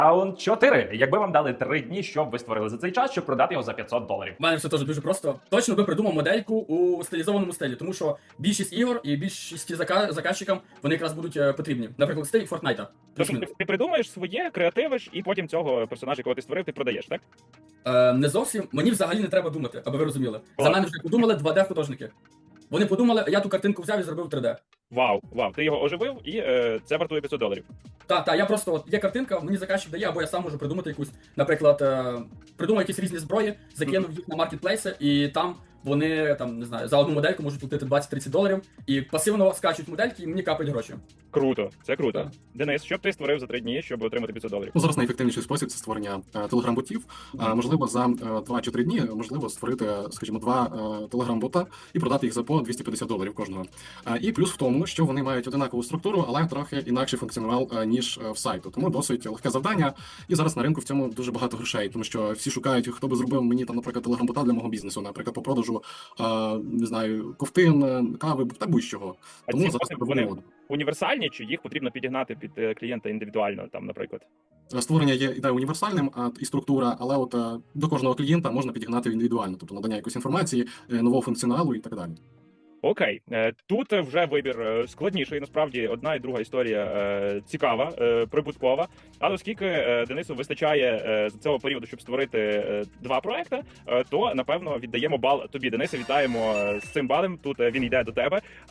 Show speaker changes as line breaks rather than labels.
Раунд 4. Якби вам дали 3 дні, що б ви створили за цей час, щоб продати його за $500?
У мене все теж дуже просто. Точно би придумав модельку у стилізованому стилі, тому що більшість ігор і більшість заказчикам вони якраз будуть потрібні. Наприклад, стиль Фортнайта.
Тобто ти придумаєш своє, креативиш, і потім цього персонажа, якого ти створив, ти продаєш, так?
Не зовсім. Мені взагалі не треба думати, аби ви розуміли. За мене вже подумали 2D-художники. Вони подумали, я ту картинку взяв і зробив 3D.
Вау, ти його оживив, і це вартує $500.
Та, я просто от є картинка, мені заказчик дає, або я сам можу придумати якусь, наприклад, придумав якісь різні зброї, закинув їх на маркетплейси, і там вони там не знаю за одну модельку можуть платити $20-30, і пасивно скачуть модельки, і мені капають гроші.
Круто, це круто.
Так.
Денис, що б ти створив за 3 дні, щоб отримати $500?
Ну, зараз найефективніший спосіб це створення телеграм-ботів. Можливо, за 2 чи 3 дні можливо створити, скажімо, 2 телеграм-бота і продати їх за по $250 кожного. І плюс в тому, що вони мають одинакову структуру, але трохи інакший функціонал, ніж в сайту. Тому досить легке завдання. І зараз на ринку в цьому дуже багато грошей, тому що всі шукають, хто би зробив мені там, наприклад, телеграм-бота для мого бізнесу, наприклад, по продажу, не знаю, ковтин, кави, та будь-чого.
А
Тому
ці
зараз
боти, вони універсальні, чи їх потрібно підігнати під клієнта індивідуально, там, наприклад?
створення є ідея універсальним, і структура, але от до кожного клієнта можна підігнати індивідуально, тобто надання якоїсь інформації, нового функціоналу і так далі.
Окей, тут вже вибір складніший. Насправді, одна і друга історія цікава, прибуткова. Але оскільки Денису вистачає з цього періоду, щоб створити 2 проекти, то напевно віддаємо бал тобі. Денисе, вітаємо з цим балем. Тут він йде до тебе.